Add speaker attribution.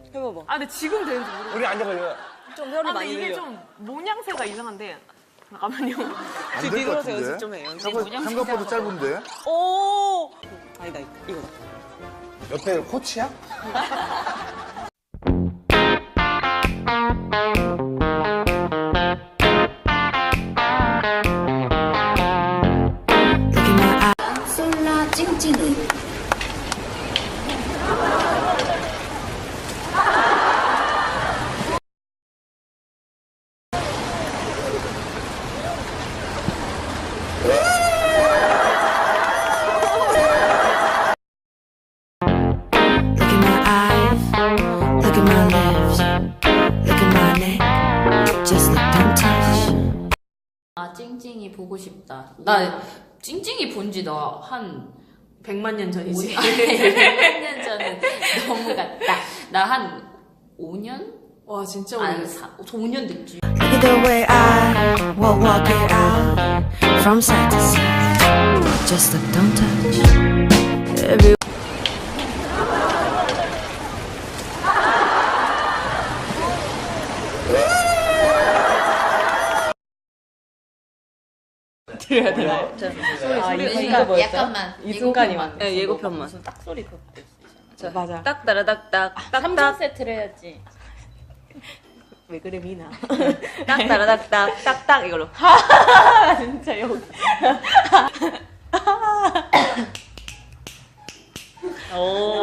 Speaker 1: 해봐봐.
Speaker 2: 아, 근데 지금 되는지 모르겠어.
Speaker 3: 우리 앉아봐요.
Speaker 1: 좀 혀를
Speaker 2: 아, 근데
Speaker 1: 많이
Speaker 2: 이게
Speaker 1: 늘려.
Speaker 2: 좀 모양새가 이상한데. 잠깐만요.
Speaker 4: 안 될 것
Speaker 1: 뒤돌아서 연습
Speaker 4: 같은데?
Speaker 1: 좀 해. 연습.
Speaker 4: 생각보다 짧은데?
Speaker 1: 오! 아니다, 이거다.
Speaker 3: 옆에 코치야?
Speaker 5: 솔라 찡찡이
Speaker 6: Look at my eyes, look at my lips, look at my neck. Just look, don't touch.
Speaker 7: 아, 찡찡이 보고 싶다. 나 찡찡이 본 지 너 한
Speaker 2: 100만 년 전이지.
Speaker 7: 100년 전은 너무 같다. 나 한 5년?
Speaker 2: 와, 진짜
Speaker 7: 안
Speaker 2: 오래됐어.
Speaker 7: 5년 됐지.
Speaker 6: Look at the way I walk it out from side to side. Just look, don't touch. Every
Speaker 1: 들려야 되나요?
Speaker 2: 아,
Speaker 1: 소리가
Speaker 7: 약간만.
Speaker 1: 이 순간이만.
Speaker 7: 예고편만.
Speaker 1: 네, 예고편만.
Speaker 7: 무슨 딱 소리 그거 낼수 있잖아.
Speaker 1: 맞아. 딱 따라닥딱,
Speaker 7: 3종
Speaker 1: 딱딱.
Speaker 7: 세트를 해야지.
Speaker 1: 왜 그래, 미나. 딱 따라닥딱, 딱딱, 이걸로. 진짜 여기. 오.